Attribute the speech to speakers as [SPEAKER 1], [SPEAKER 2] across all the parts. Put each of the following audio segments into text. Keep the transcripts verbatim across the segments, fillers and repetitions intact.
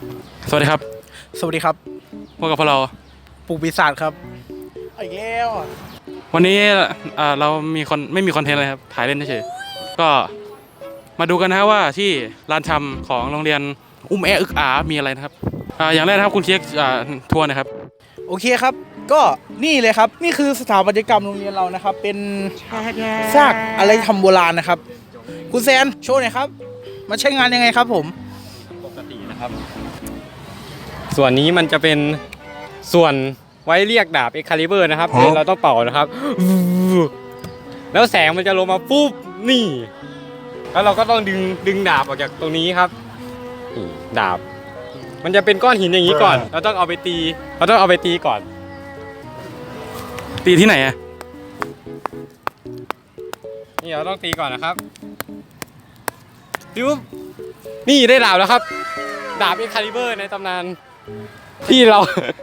[SPEAKER 1] สวัสดีครับ
[SPEAKER 2] สวัสดีครับ
[SPEAKER 1] พวกกับพวกเรา
[SPEAKER 2] ปลูกปีศาจครับอีกแล้ว
[SPEAKER 1] วันนี้เรามีคนไม่มีคอนเทนต์อะไรครับถ่ายเล่นเฉยก็มาดูกันนะว่าที่ลานชำของโรงเรียนอุ้มแออึกอามีอะไรนะครับอย่างแรกนะครับคุณเค้กทัวร์นะครับ
[SPEAKER 2] โอเคครับก็นี่เลยครับนี่คือสถาปัตยกรรมโรงเรียนเรานะครับเป็นซากอะไรทำโบราณนะครับคุณแซนโชว์หน่อยครับมาใช้งานยังไงครับผม
[SPEAKER 3] ปกตินะครับส่วนนี้มันจะเป็นส่วนไว้เรียกดาบเอ็กคาลิเบอร์นะครับเราต้องเป่านะครับแล้วแสงมันจะลงมาปุ๊บนี่แล้วเราก็ต้องดึงดึงดาบออกจากตรงนี้ครับนี่ดาบมันจะเป็นก้อนหินอย่างนี้ก่อนเราต้องเอาไปตีเราต้องเอาไปตีก่อน
[SPEAKER 1] ตีที่ไหนอะ
[SPEAKER 3] นี่เราต้องตีก่อนนะครับดูนี่ได้ดาบแล้วครับดาบเอ็กคาลิเบอร์ในตำนานที่เรา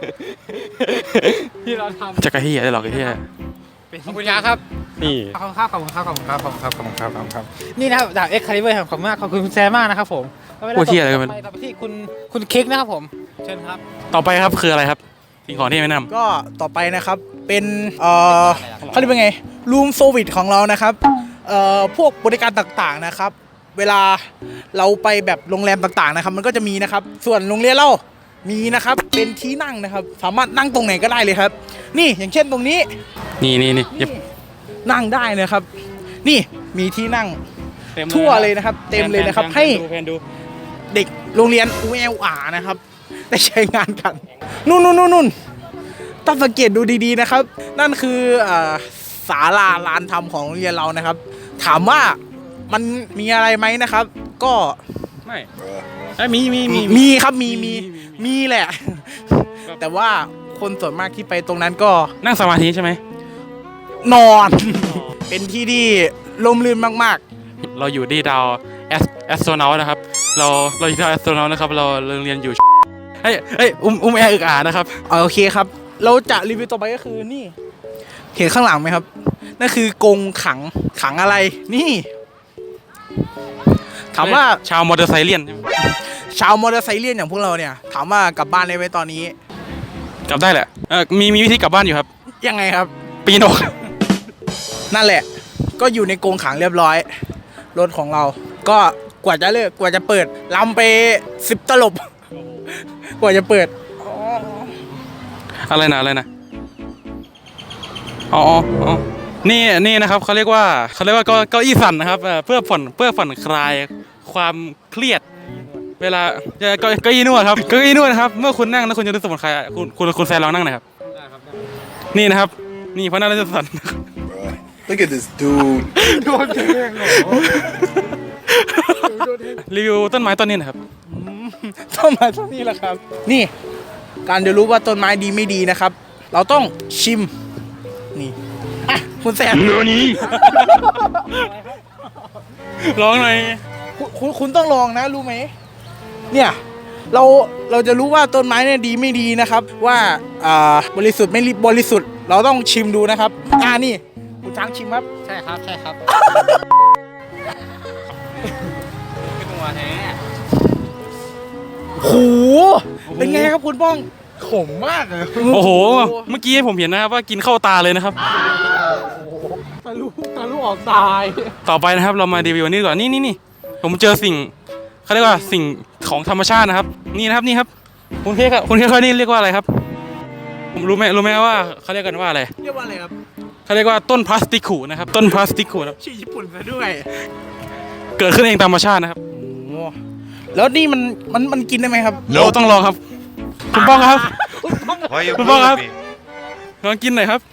[SPEAKER 3] ที่เราทำ
[SPEAKER 1] จะกระเฮียได้หรอกระเฮีย
[SPEAKER 3] ขอบคุณยาครับนี่
[SPEAKER 4] ขอบคุณครับขอบคุณครับขอบคุณครับขอบคุณครับขอบคุณครับขอบคุณครับนี่นะครับดาบเอ็กคาลิเบอร์ขอบคุณมากขอบคุณคุณแซมมากนะครับผม
[SPEAKER 1] โอ้เฮียอะไรกัน
[SPEAKER 4] ไปต่อไปที่คุณคุณเค้กนะครับผมเชิญครับ
[SPEAKER 1] ต่อไปครับคืออะไรครับสิ่งของที่แนะนำ
[SPEAKER 2] ก็ต่อไปนะครับเป็นเอ่อเขาเรียกว่าไงรูมโซวิตของเรานะครับเอ่อพวกบริการต่างๆนะครับเวลาเราไปแบบโรงแรมต่างๆนะครับมันก็จะมีนะครับส่วนโรงเรียนเรามีนะครับเป็นที่นั่งนะครับสามารถนั่งตรงไหนก็ได้เลยครับนี่อย่างเช่นตรงนี้
[SPEAKER 1] นี่นี่นี่
[SPEAKER 2] นั่งได้นะครับ นี่มีที่นั่งทั่วเลยนะครับเต็มเลยนะครับให้เด็กโรงเรียนอูเอลอานะครับได้ใช้งานกันนู่นนู่นนู่นต้องสังเกตดูดีๆนะครับนั่นคือศาลาลานธรรมของโรงเรียนเรานะครับถามว่ามันมีอะไรไหมนะครับก็
[SPEAKER 1] ไม่มีมีมี
[SPEAKER 2] มีครับมีมีมีแหละแต่ว่าคนส่วนมากที่ไปตรงนั้นก็
[SPEAKER 1] นั่งสมาธิใช่ไหม
[SPEAKER 2] นอนเป็นที่ที่ลมลื่นมาก
[SPEAKER 1] ๆเราอยู่ที่ดาวแอสแอสโทรนอตนะครับเราเราอยู่ที่ดาวแอสโทรนอตนะครับเราเรียนอยู่เฮ้ยเฮ้ยอุ้มอุ้มแอร์อึกอานะครับ
[SPEAKER 2] โอเคครับเราจะรีวิวต่อไปก็คือนี่เห็นข้างหลังไหมครับนั่นคือกรงขังขังอะไรนี่ถามว่า
[SPEAKER 1] ชาวมอเตอร์ไซค์เลียน
[SPEAKER 2] ชาวมอเตอร์ไซค์เลียนอย่างพวกเราเนี่ยถามว่ากลับบ้านได้ไหมตอนนี้
[SPEAKER 1] กลับได้แหละเออมีมีวิธีกลับบ้านอยู่ครับ
[SPEAKER 2] ยังไงครับ
[SPEAKER 1] ปีนออก
[SPEAKER 2] นั่นแหละก็อยู่ในกรงขังเรียบร้อยรถของเราก็กว่าจะเลิกกว่าจะเปิดลำไปสิบตลบกว่าจะเปิด
[SPEAKER 1] อะไรนะอะไรนะอ๋ออ๋อนี่นี่นะครับเขาเรียกว่าเขาเรียกว่าเก้าอี้สั่นนะครับเพื่อผ่อนเพื่อผ่อนคลายความเครียดเวลาจะเก้าอี้นวดครับเก้าอี้นวดครับเมื่อคุณนั่งแล้วคุณจะรู้สึกผ่อนคลายคุณคุณคุณแซนลองนั่งหน่อยครับนี่นะครับนี่เพราะนั่งแล้วจะสั่น
[SPEAKER 5] Look at this dude
[SPEAKER 4] โดนแทงเหรอ
[SPEAKER 1] รีวิวต้นไม้ต้นนี้นะครับ
[SPEAKER 2] ต้นไม้ต้นนี้แหละครับนี่การจะรู้ว่าต้นไม้ดีไม่ดีนะครับเราต้องชิมนี่อ่ะคุณแซน
[SPEAKER 1] นี่ลองหน่อย
[SPEAKER 2] คุณคุณต้องลองนะรู้ไหมเนี่ยเราเราจะรู้ว่าต้นไม้เนี่ยดีไม่ดีนะครับว่าอ่าบริสุทธิ์ไม่บริสุทธิ์เราต้องชิมดูนะครับอ่านี่คุณช้างชิมครับ
[SPEAKER 4] ใช่ครับใช่ครับเป็นตัวแท้
[SPEAKER 2] โหเป็นไงครับคุณป้อง
[SPEAKER 4] ขมมากเลย
[SPEAKER 1] โอ้โหเมื่อกี้ผมเห็นนะครับว่ากินเข้าตาเลยนะครับ
[SPEAKER 2] ตาลูตาลูออกตาย
[SPEAKER 1] ต่อไปนะครับเรามารีวิวนี่ก่อนนี่นี่นี่ผมเจอสิ่งเขาเรียกว่าสิ่งของธรรมชาตินะครับนี่นะครับนี่ครับคุณเค้กครับคุณเค้กนี่เรียกว่าอะไรครับผมรู้ไหมรู้ไหมว่าเขาเรียกกันว่าอะไร
[SPEAKER 2] เรียกว่าอะไรครับ
[SPEAKER 1] เขาเรียกว่าต้นพลาสติกขูนะครับต้นพลาสติกขูครับ
[SPEAKER 2] ชื่อญี่ปุ่นซะด้วย
[SPEAKER 1] เกิดขึ้นเองตามธรรมชาตินะครับ
[SPEAKER 2] แล้วนี่มันมันมันกินได้ไหมครับ
[SPEAKER 1] เราต้องลองครับคุณป้องครับคุณป้องครับลองกินหน่อยครับ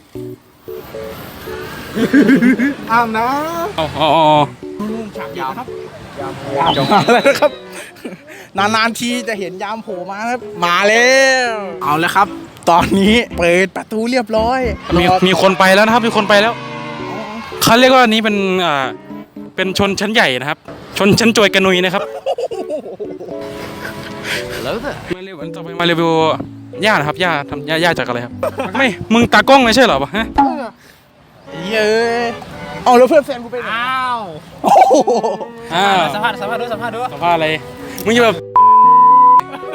[SPEAKER 2] อ้ามนะ
[SPEAKER 1] อ๋ออ๋อ
[SPEAKER 2] ฉากยาวครับยามมาแล้วนะครับนานๆทีจะเห็นยามโผล่มาครับมาแล้วเอาแล้วครับตอนนี้เปิดประตูเรียบร้อย
[SPEAKER 1] มีมีคนไปแล้วนะครับมีคนไปแล้วเขาเรียกว่านี้เป็นอ่าเป็นชนชั้นใหญ่นะครับชนชั้นจวยกระนุยนะครับแล้วมาเรีวิวต่อไปมาเรีวิวย่านะครับย่าทำย่าย่าจากอะไรครับไม่มึงตากล้องไม่ใช่เหรอฮะ
[SPEAKER 2] เย้เอาแล้วเพื่อนแฟนกูไปไหน
[SPEAKER 4] อ้าว
[SPEAKER 2] อ้าว
[SPEAKER 4] สัมภาษณ์สัมภาษณ์ด้วยสัมภาษณ์ด้วย
[SPEAKER 1] สัมภาษณ์อะไรมึงจะแบบ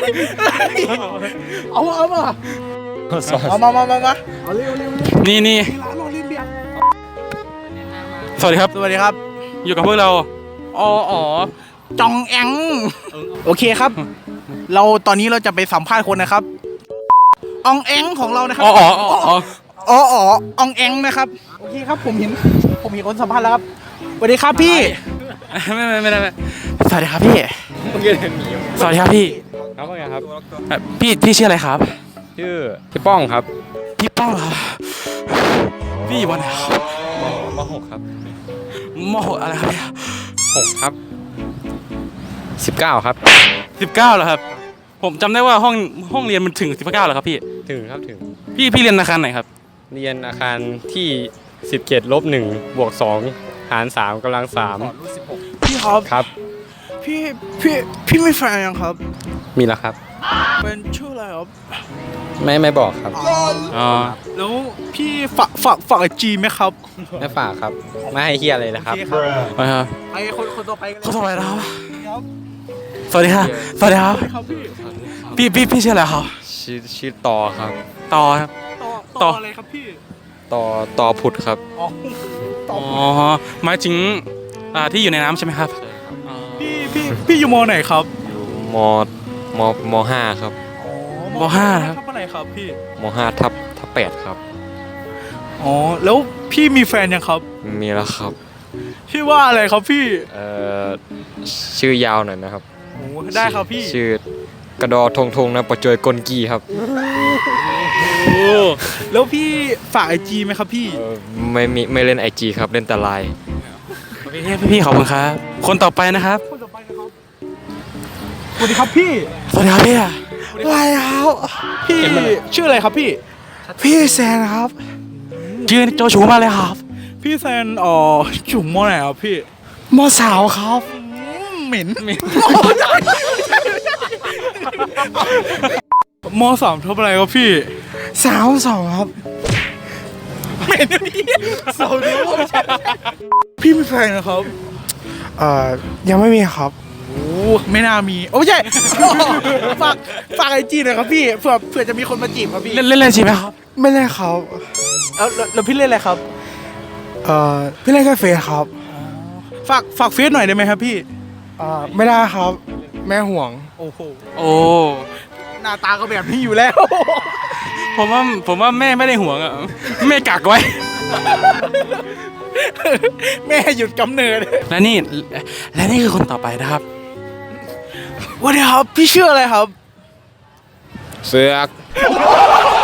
[SPEAKER 2] เอาเอามา
[SPEAKER 3] สอง
[SPEAKER 2] เอามามามามาเอาเร็วเร็วเร็ว
[SPEAKER 1] นี่นี่
[SPEAKER 2] มีร้านโรลินเบียร์
[SPEAKER 1] สวัสดีครับ
[SPEAKER 2] สวัสดีครับ
[SPEAKER 1] อยู่กับพวกเรา
[SPEAKER 2] อ๋ออ๋อจองแองโอเคครับ เราตอนนี้เราจะไปสัมภาษณ์คนนะครับอองแองของเรานะครับ
[SPEAKER 1] อ๋ออ๋ออ๋ออ๋อ
[SPEAKER 2] อ๋ออ๋ออองแองนะครับโอเคครับผมเห็นผมเห็นคนสัมภาษณ์แล้วครับสวัสดีครับพี่
[SPEAKER 1] ไม่ไม่ไม่ได้ไม่สวัสดีครับพี่ สวัสดีครับพี่
[SPEAKER 3] ครับว่าไงครับ
[SPEAKER 1] เอ่อพี่พี่ชื่ออะไรครับ
[SPEAKER 3] ชื่อพี่ป้องครับ
[SPEAKER 1] พี่ป้องเหรอพี่อยู่วันไหนครับ
[SPEAKER 3] มมหกครับ
[SPEAKER 1] มหกอะไรครับเนี่ย
[SPEAKER 3] หกครับสิบเก้าครับ
[SPEAKER 1] สิบเก้าเหรอครับ ผมจำได้ว่าห้องห้องเรียนมันถึงสิบเก้าเหรอครับพี่
[SPEAKER 3] ถึงครับถึง
[SPEAKER 1] พี่พี่เรียนอาคารไหนครับ
[SPEAKER 3] เรียนอาคารที่สิบเจ็ดลบหนึ่งบวกสองหารสามกำลังสาม
[SPEAKER 2] พี่ครับ
[SPEAKER 3] ครับ
[SPEAKER 2] พี่พี่พี่ไม่แฟนยังครับ
[SPEAKER 3] มีแล้วครับ
[SPEAKER 2] เป็นชื่ออะไรครับ
[SPEAKER 3] ไม่ไม่บอกครับ
[SPEAKER 1] อ๋อ
[SPEAKER 2] แล้วพี่ฝากฝากฝากไอจีไหมครับ
[SPEAKER 3] ไม่ฝากครับ ไม่ให้เฮียอะไรนะครับ
[SPEAKER 2] โอเคครับ
[SPEAKER 1] ไปครับ
[SPEAKER 2] ไปคนคนต่อไปกันเลย
[SPEAKER 1] เขาสวัสดีครับ
[SPEAKER 2] ครับ
[SPEAKER 1] สวัสดีครับ สวัสดีครับ
[SPEAKER 2] ครับพี่
[SPEAKER 1] พี่พี่พี่ชื่ออะไรครับ
[SPEAKER 3] ชื่อชื่อต่อครับ
[SPEAKER 1] ต่อครับ
[SPEAKER 2] ต่อ
[SPEAKER 1] ต่
[SPEAKER 2] ต่
[SPEAKER 1] อ
[SPEAKER 2] ออะไรครับพี่
[SPEAKER 3] ต่อต่อผุดครับ
[SPEAKER 2] อ๋อต่อ
[SPEAKER 1] อ๋อหมายถึงอ่าที่อยู่ในน้ำใช่ไหมครับ
[SPEAKER 2] พี่พี่พี่อยู่มอไหนครับ
[SPEAKER 3] อยู่มมมห้าครับ
[SPEAKER 2] อ๋อ
[SPEAKER 1] มห้าครับ
[SPEAKER 2] ทับอะไรครับพี่
[SPEAKER 3] มห้าทับทับแปดครับ
[SPEAKER 2] อ๋อแล้วพี่มีแฟนยังครับ
[SPEAKER 3] มีแล้วครับ
[SPEAKER 2] ชื่อว่าอะไรครับพี่
[SPEAKER 3] เอ่อชื่อยาวหน่อยนะครับ
[SPEAKER 2] โอ้ได้ครับพี่
[SPEAKER 3] ชื่อกระดอทงทงนะประจวยกลกีครับ
[SPEAKER 2] แล้วพี่ฝากไอจีไหมครับพี่
[SPEAKER 3] เออไม่มีไม่เล่นไอจีครับเล่นแต่ไลน์
[SPEAKER 1] พี่พี่ขอบคุณครับ คนต่อไปนะครับ
[SPEAKER 2] คนต่อไปนะครับสวัสดีครับพี่
[SPEAKER 1] สวัสดีครับพี่
[SPEAKER 2] อะไรครับพี่ชื่ออะไรครับพี่
[SPEAKER 1] พี่แซนครับยืนโจชูมาเลยครับ
[SPEAKER 2] พี่แซนอ๋อจุ่มมอไหนครับพี่
[SPEAKER 1] มสาวครับ
[SPEAKER 2] เหม็นมสามทับอะไรครับพี่
[SPEAKER 1] สาวสองครับ
[SPEAKER 2] เหม็นพี่สาวดูพี่มีแฟนนะครับ
[SPEAKER 1] เอ่อยังไม่มีครับ
[SPEAKER 2] โอ้ไม่น่ามีโอ้ไม่ใช่ ฝากฝากไอจีหน่อยครับพี่เผื่อเผื่อจะมีคนมาจีบครับพี่
[SPEAKER 1] เล่นเล่นเล่นใช่ไหมครับ
[SPEAKER 6] ไม่เล่นครับ
[SPEAKER 2] แล้วแล้วแล้วพี่เล่นอะไรครับ
[SPEAKER 6] เอ่อพี่เล่นแค่เฟซครับ
[SPEAKER 2] ฝากฝากเฟซหน่อยได้ไหมครับพี่
[SPEAKER 6] เอ่อไม่ได้ครับ แม่ห่วง
[SPEAKER 2] โอ้โห
[SPEAKER 1] โอ้
[SPEAKER 2] หน้าตาก็แบบนี้อยู่แล้ว
[SPEAKER 1] ผมว่าผมว่าแม่ไม่ได้ห่วงอ่ะแม่กักไว้
[SPEAKER 2] แม่หยุดกำเนิด
[SPEAKER 1] และนี่และนี่คือคนต่อไปนะครับ
[SPEAKER 2] วันนี้ครับพี่ชื่ออะไรครับ
[SPEAKER 3] เสือก
[SPEAKER 2] พ